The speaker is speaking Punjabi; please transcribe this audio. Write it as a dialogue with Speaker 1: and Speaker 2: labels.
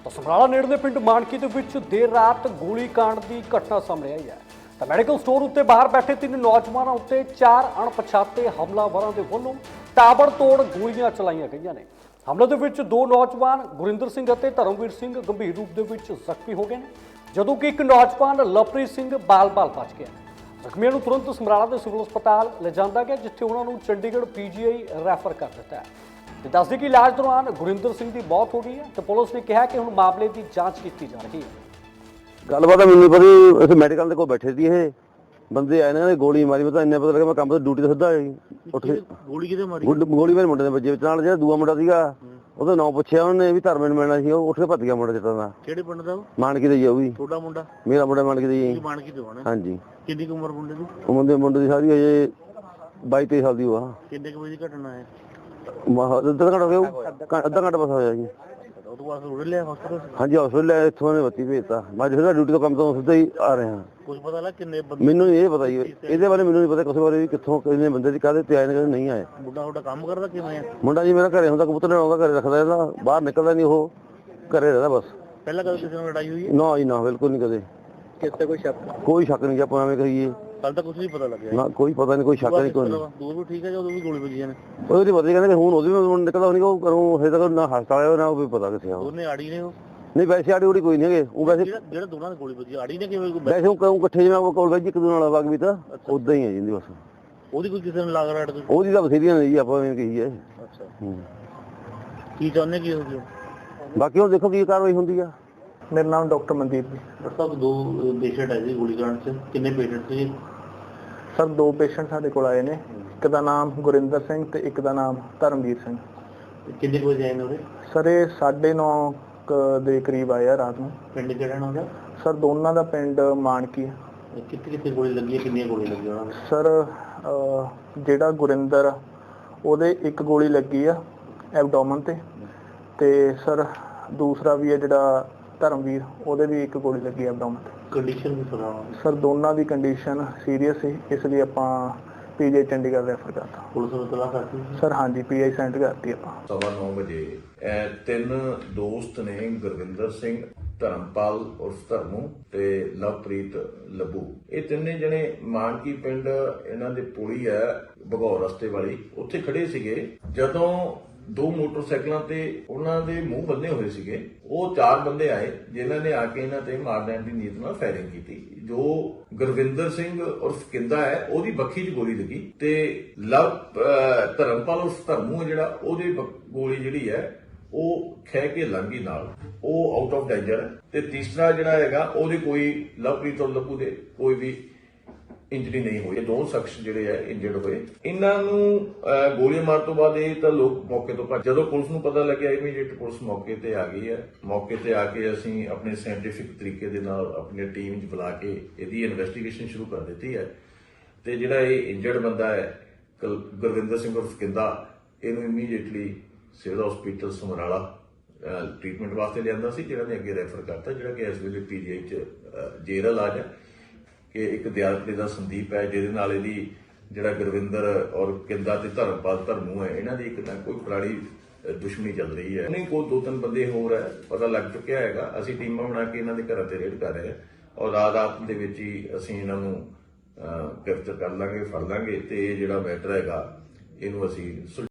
Speaker 1: ਤਾਂ ਸਮਰਾਲਾ ਨੇੜਲੇ ਪਿੰਡ ਮਾਨਕੀ ਦੇ ਵਿੱਚ ਦੇਰ ਰਾਤ ਗੋਲੀ ਕਾਂਡ ਦੀ ਘਟਨਾ ਸਾਹਮਣੇ ਆਈ ਹੈ। ਤਾਂ ਮੈਡੀਕਲ ਸਟੋਰ ਉੱਤੇ ਬਾਹਰ ਬੈਠੇ 3 ਨੌਜਵਾਨਾਂ ਉੱਤੇ 4 ਅਣਪਛਾਤੇ ਹਮਲਾਵਰਾਂ ਦੇ ਵੱਲੋਂ ਤਾਬੜਤੋੜ ਗੋਲੀਆਂ ਚਲਾਈਆਂ ਗਈਆਂ ਨੇ। ਹਮਲੇ ਦੇ ਵਿੱਚ 2 ਨੌਜਵਾਨ ਗੁਰਿੰਦਰ ਸਿੰਘ ਅਤੇ ਧਰਮਵੀਰ ਸਿੰਘ ਗੰਭੀਰ ਰੂਪ ਦੇ ਵਿੱਚ ਜ਼ਖਮੀ ਹੋ ਗਏ ਨੇ, ਜਦੋਂ ਕਿ ਇੱਕ ਨੌਜਵਾਨ ਲਵਪ੍ਰੀਤ ਸਿੰਘ ਬਾਲ-ਬਾਲ ਬਚ ਗਿਆ। ਜ਼ਖਮੀਆਂ ਨੂੰ ਤੁਰੰਤ ਸਮਰਾਲਾ ਦੇ ਸਿਵਲ ਹਸਪਤਾਲ ਲਿਜਾਂਦਾ ਗਿਆ, ਜਿੱਥੇ ਉਹਨਾਂ ਨੂੰ ਚੰਡੀਗੜ੍ਹ ਪੀਜੀਆਈ ਰੈਫਰ ਕਰ ਦਿੱਤਾ ਹੈ। ਤੇ ਦੱਸਦੇ ਕਿ ਇਲਾਜ ਦੌਰਾਨ ਗੁਰਿੰਦਰ ਸਿੰਘ ਦੀ ਮੌਤ ਹੋ ਗਈ ਹੈ ਤੇ ਪੁਲਿਸ ਨੇ ਕਿਹਾ ਕਿ ਹੁਣ ਮਾਮਲੇ ਦੀ ਜਾਂਚ ਕੀਤੀ ਜਾ ਰਹੀ ਹੈ।
Speaker 2: ਗੱਲਬਾਤ ਮੈਨੂੰ ਪਤਾ ਅਸੀਂ ਮੈਡੀਕਲ ਦੇ ਕੋਲ ਬੈਠੇ ਸੀ, ਇਹ ਬੰਦੇ ਆਏ ਨੇ ਗੋਲੀ ਮਾਰੀ। ਮੈਂ ਤਾਂ ਇੰਨਾ ਪਤਾ ਲੱਗਾ ਮੈਂ ਕੰਮ ਤੋਂ ਡਿਊਟੀ ਤੋਂ ਸਿੱਧਾ ਉੱਠ ਕੇ
Speaker 3: ਗੋਲੀ ਕਿਤੇ ਮਾਰੀ?
Speaker 2: ਗੋਲੀ ਮੇਰੇ ਮੁੰਡੇ ਦੇ ਵੱਜੇ ਵਿੱਚ। ਨਾਲ ਜਿਹੜਾ ਦੂਆ ਮੁੰਡਾ ਸੀਗਾ ਉਹਦਾ ਨਾਂ ਪੁੱਛਿਆ ਉਹਨੇ ਵੀ ਧਰਮੇ ਨੂੰ ਮਿਲਣਾ ਸੀ, ਉਹ ਉੱਠ ਕੇ ਭੱਜ ਗਿਆ ਮੁੰਡਾ ਜਿੱਤਾਂ ਦਾ।
Speaker 3: ਕਿਹੜੇ ਪਿੰਡ ਦਾ?
Speaker 2: ਮਾਨਕੀ ਦਾ ਜੀ। ਉਹ ਵੀ
Speaker 3: ਤੁਹਾਡਾ ਮੁੰਡਾ?
Speaker 2: ਮੇਰਾ ਮੁੰਡਾ ਮਾਨਕੀ ਦਾ ਜੀ।
Speaker 3: ਮਾਨਕੀ ਤੋਂ ਆਣਾ?
Speaker 2: ਹਾਂਜੀ।
Speaker 3: ਕਿੰਨੀ ਉਮਰ ਮੁੰਡੇ ਦੀ?
Speaker 2: ਉਹ ਮੁੰਡੇ ਦੀ ਸਾਰੀ ਹਜੇ 22-23 ਸਾਲ ਦੀ ਉਹ ਆ।
Speaker 3: ਕਿੰਨੇ ਕੁ ਵਜੇ ਦੀ ਘਟਨਾ ਹੈ?
Speaker 2: ਅੱਧਾ ਘੰਟਾ ਹੋ ਗਿਆ, ਅੱਧਾ ਘੰਟਾ ਬਸ ਹੋਇਆ ਜੀ।
Speaker 3: ਉਹ ਤੋਂ ਬਾਅਦ ਉੜ ਲਿਆ ਹਸਪਤਾਲ?
Speaker 2: ਹਾਂਜੀ ਹਸਪਤਾਲ ਲੈ, ਇੱਥੋਂ ਨੇ ਬੱਤੀ ਭੇਜਤਾ। ਮੈਂ ਜਿਹੜਾ ਡਿਊਟੀ ਤੋਂ ਕੰਮ ਤੋਂ ਸਿੱਧਾ ਹੀ ਆ ਰਿਹਾ।
Speaker 3: ਕੁਝ ਪਤਾ ਲੱਗਾ ਕਿੰਨੇ ਬੰਦੇ?
Speaker 2: ਮੈਨੂੰ ਇਹ ਪਤਾ ਜੀ, ਇਹਦੇ ਬਾਰੇ ਮੈਨੂੰ ਨਹੀਂ ਪਤਾ ਕਿਸੇ ਬਾਰੇ ਵੀ ਕਿੱਥੋਂ ਕਿੰਨੇ ਬੰਦੇ ਦੀ ਕਾਹਦੇ ਤੇ ਆਏ ਨੇ, ਨਹੀਂ ਆਏ।
Speaker 3: ਮੁੰਡਾ ਤੁਹਾਡਾ ਕੰਮ ਕਰਦਾ ਕਿਵੇਂ ਆ?
Speaker 2: ਮੁੰਡਾ ਜੀ ਮੇਰਾ ਘਰੇ ਹੁੰਦਾ, ਕਬੂਤਰ ਲੈਣ ਘਰੇ ਰੱਖਦਾ ਇਹਦਾ, ਬਾਹਰ ਨਿਕਲਦਾ ਨਹੀਂ, ਉਹ ਘਰੇ ਰਹਿੰਦਾ ਬਸ।
Speaker 3: ਪਹਿਲਾਂ ਕਦੇ ਕਿਸੇ ਨਾਲ ਲੜਾਈ ਹੋਈ ਹੈ?
Speaker 2: ਨਾ ਜੀ ਨਾ, ਬਿਲਕੁਲ ਨਹੀਂ ਕਦੇ।
Speaker 3: ਕਿਸੇ ਕੋਈ ਸ਼ੱਕ?
Speaker 2: ਕੋਈ ਸ਼ੱਕ ਨਹੀਂ ਜੀ, ਆਪਾਂ ਐਵੇਂ ਕਹੀਏ।
Speaker 3: ਕੱਲ ਤਾਂ ਕੁਝ ਨਹੀਂ ਪਤਾ ਲੱਗਿਆ
Speaker 2: ਨਾ ਕੋਈ ਪਤਾ ਨਹੀਂ, ਕੋਈ ਸ਼ੱਕ ਨਹੀਂ। ਕੋਈ
Speaker 3: ਦੂਰ ਵੀ ਠੀਕ ਹੈ, ਜਦੋਂ ਵੀ ਗੋਲੀ ਵੱਜੀਆਂ ਨੇ?
Speaker 2: ਉਹਦੀ ਪਤਾ ਕਹਿੰਦੇ ਕਿ ਹੁਣ ਉਹਦੀ ਵੀ ਨਿਕਲਦਾ ਨਹੀਂ, ਉਹ ਕਰੂੰ ਹਜੇ ਤੱਕ ਨਾ ਹਸਪਤਾਲ ਆਇਆ ਨਾ ਉਹ ਵੀ ਪਤਾ ਕਿੱਥੇ ਆ।
Speaker 3: ਦੋਨੇ ਆੜੀ ਨੇ ਉਹ?
Speaker 2: ਨਹੀਂ ਵੈਸੇ ਆੜੀ ਉੜੀ ਕੋਈ ਨਹੀਂ ਹੈਗੇ ਉਹ। ਵੈਸੇ
Speaker 3: ਜਿਹੜਾ ਦੋਨਾਂ ਦੀ ਗੋਲੀ ਵੱਜੀ ਆੜੀ ਨੇ ਕਿਵੇਂ?
Speaker 2: ਵੈਸੇ ਉਹ ਇਕੱਠੇ ਜਿਵੇਂ ਉਹ ਕੋਲ ਵੈਜ ਇੱਕ ਦੂਜੇ ਨਾਲ ਵਗ ਵੀ ਤਾਂ ਉਦਾਂ ਹੀ ਹੈ ਜਿੰਦੀ ਬਸ।
Speaker 3: ਉਹਦੀ ਕੋਈ ਕਿਸੇ ਨੂੰ ਲੱਗ ਰਿਹਾ?
Speaker 2: ਉਹਦੀ ਤਾਂ ਬਥੇਰੀਆਂ ਨੇ ਜੀ, ਆਪਾਂ ਐਵੇਂ ਕਹੀਏ।
Speaker 3: ਅੱਛਾ। ਕੀ ਚਾਹੁੰਦੇ ਕੀ ਹੋ ਗਿਆ?
Speaker 2: ਬਾਕੀ ਹੁਣ ਦੇਖੋ ਕੀ ਕਾਰਵਾਈ ਹੁੰਦੀ ਆ।
Speaker 3: ਮੇਰਾ ਨਾਮ ਡਾਕਟਰ ਮਨਦੀਪ ਜੀ। ਡਾਕਟਰ ਸਾਹਿਬ 2 ਪੇਸ਼ੈਂਟ ਆਏ ਸੀ ਗੋਲੀ ਕਾਂਡ 'ਚ, ਕਿੰਨੇ ਪੇਸ਼ੈਂਟ ਸੀ? ਸਰ 2 ਪੇਸ਼ੈਂਟ ਸਾਡੇ ਕੋਲ ਆਏ ਨੇ, ਇੱਕ ਦਾ ਨਾਮ ਗੁਰਿੰਦਰ ਸਿੰਘ ਤੇ ਇੱਕ ਦਾ ਨਾਮ ਧਰਮਵੀਰ ਸਿੰਘ। ਕਿੰਨੇ ਵਜੇ ਆਏ ਨੇ ਉਹਦੇ? ਸਰ ਇਹ 9:30 ਦੇ ਕਰੀਬ ਆਏ ਆ ਰਾਤ ਨੂੰ। ਪਿੰਡ ਕਿਹੜਾ ਨਾ ਉਹਦਾ? ਸਰ ਦੋਨਾਂ ਦਾ ਪਿੰਡ ਮਾਨਕੀ ਹੈ। ਕਿੱਥੇ ਕਿੱਥੇ ਗੋਲੀ ਲੱਗੀ ਹੈ, ਕਿੰਨੀਆਂ ਗੋਲੀ ਲੱਗੀਆਂ ਉਹਨਾਂ ਨੂੰ? ਸਰ ਜਿਹੜਾ ਗੁਰਿੰਦਰ ਉਹਦੇ 1 ਗੋਲੀ ਲੱਗੀ ਆ ਐਬਡੋਮਨ ਤੇ ਸਰ ਦੂਸਰਾ ਵੀ ਹੈ ਜਿਹੜਾ ਧਰਮਵੀਰ, ਉਹਦੇ ਵੀ 1 ਗੋਲੀ ਲੱਗੀ ਐਬਡੋਮਨ ਤੇ। ਕੰਡੀਸ਼ਨ ਵੀ ਸਰ ਦੋਨਾਂ ਦੀ ਕੰਡੀਸ਼ਨ ਸੀਰੀਅਸ ਸੀ, ਇਸ ਲਈ ਆਪਾਂ ਪੀਜੀਆਈ ਚੰਡੀਗੜ੍ਹ ਰੈਫਰ ਕਰਤਾ। ਪੁਲਿਸ ਨੂੰ ਤਲਾਸ਼ ਕਰਤੀ ਸਰ? ਹਾਂਜੀ, ਪੀਆਈ ਸੈਂਡ ਕਰਤੀ ਆਪਾਂ। 9:15
Speaker 4: ਵਜੇ 3 ਦੋਸਤ ਨੇ, ਗੁਰਵਿੰਦਰ ਸਿੰਘ, ਧਰਮਪਾਲ ਉਰਫ ਧਰਮੂ ਤੇ ਲਵਪ੍ਰੀਤ ਲੱਭੂ, ਇਹ ਤਿੰਨੇ ਜਣੇ ਮਾਨਕੀ ਪਿੰਡ ਇਹਨਾਂ ਦੇ ਪੁਲੀ ਹੈ ਭਗੌਰ ਰਸਤੇ ਵਾਲੀ, ਉੱਥੇ ਖੜੇ ਸੀਗੇ। ਜਦੋਂ 2 ਮੋਟਰਸਾਈਕਲਾਂ ਤੇ ਉਹਨਾਂ ਦੇ ਮੂੰਹ ਬੰਨੇ ਹੋਏ ਸੀਗੇ, ਉਹ 4 ਬੰਦੇ ਆਏ ਜਿਨ੍ਹਾਂ ਨੇ ਆ ਕੇ ਇਹਨਾਂ ਤੇ ਮਾਰ ਦੇਣ ਦੀ ਨੀਤ ਨਾਲ ਫਾਇਰਿੰਗ ਕੀਤੀ। ਜੋ ਗੁਰਵਿੰਦਰ ਸਿੰਘ ਉਰਫ ਕਿੰਦਾ ਹੈ ਉਹਦੀ ਬੱਖੀ 'ਚ ਗੋਲੀ ਲੱਗੀ ਤੇ ਧਰਮਪਾਲ ਉਰਫ ਧਰਮੂ ਹੈ ਜਿਹੜਾ, ਉਹਦੀ ਗੋਲੀ ਜਿਹੜੀ ਹੈ ਉਹ ਖਹਿ ਕੇ ਲੰਘੀ ਨਾਲ, ਉਹ ਆਊਟ ਆਫ ਡੇਂਜਰ ਹੈ। ਤੇ ਤੀਸਰਾ ਜਿਹੜਾ ਹੈਗਾ ਉਹਦੇ ਕੋਈ ਲਵਪ੍ਰੀਤ ਔਰ ਲੱਭੂ ਦੇ ਕੋਈ ਵੀ ਇੰਜਰੀ ਨਹੀਂ ਹੋਈ। 2 ਸ਼ਖਸ ਜਿਹੜੇ ਆ ਇੰਜਰਡ ਹੋਏ। ਇਹਨਾਂ ਨੂੰ ਗੋਲੀ ਮਾਰ ਤੋਂ ਬਾਅਦ ਇਹ ਤਾਂ ਲੋਕ ਮੌਕੇ ਤੋਂ ਭੱਜ। ਜਦੋਂ ਪੁਲਿਸ ਨੂੰ ਪਤਾ ਲੱਗਿਆ, ਇਮੀਡੀਏਟ ਪੁਲਿਸ ਮੌਕੇ ਤੇ ਆ ਗਈ ਹੈ। ਮੌਕੇ ਤੇ ਆ ਕੇ ਅਸੀਂ ਆਪਣੇ ਸਾਇੰਟੀਫਿਕ ਤਰੀਕੇ ਦੇ ਨਾਲ ਆਪਣੀ ਟੀਮ 'ਚ ਬੁਲਾ ਕੇ ਇਹਦੀ ਇਨਵੈਸਟੀਗੇਸ਼ਨ ਸ਼ੁਰੂ ਕਰ ਦਿੱਤੀ ਹੈ। ਤੇ ਜਿਹੜਾ ਇਹ ਇੰਜਰਡ ਬੰਦਾ ਹੈ ਗੁਰਵਿੰਦਰ ਸਿੰਘ ਉਰਫ ਕਿੰਦਾ, ਇਹਨੂੰ immediately civil hospital Samrala treatment ਵਾਸਤੇ ਲਿਆਂਦਾ ਸੀ, ਜਿਹੜਾ ਨੇ ਅੱਗੇ ਰੈਫਰ ਕਰਤਾ, ਜਿਹੜਾ ਕਿ ਇਸ ਵੇਲੇ ਪੀਜੀਆਈ 'ਚ ਜੇਰ ਇਲਾਜ ਹੈ। ਕਿ ਇੱਕ ਦਿਆਲਪੁਰੇ ਦਾ ਸੰਦੀਪ ਹੈ, ਜਿਹਦੇ ਨਾਲ ਇਹਦੀ ਜਿਹੜਾ ਗੁਰਵਿੰਦਰ ਔਰ ਕਿੰਦਾ ਤੇ ਧਰਮਪਾਲ ਧਰਮੂ ਹੈ, ਇਹਨਾਂ ਦੀ ਇੱਕ ਨਾ ਕੋਈ ਪੁਰਾਣੀ ਦੁਸ਼ਮਣੀ ਚੱਲ ਰਹੀ ਹੈ। ਨਹੀਂ ਕੋਈ 2-3 ਬੰਦੇ ਹੋਰ ਹੈ, ਪਤਾ ਲੱਗ ਚੁੱਕਿਆ ਹੈਗਾ। ਅਸੀਂ ਟੀਮਾਂ ਬਣਾ ਕੇ ਇਹਨਾਂ ਦੇ ਘਰਾਂ ਤੇ ਰੇਡ ਕਰ ਰਹੇ ਹਾਂ ਔਰ ਰਾਤ ਦੇ ਵਿੱਚ ਹੀ ਅਸੀਂ ਇਹਨਾਂ ਨੂੰ ਗ੍ਰਿਫਤਾਰ ਕਰ ਲਾਂਗੇ, ਫੜ ਲਾਂਗੇ ਤੇ ਇਹ ਜਿਹੜਾ ਮੈਟਰ ਹੈਗਾ ਇਹਨੂੰ ਅਸੀਂ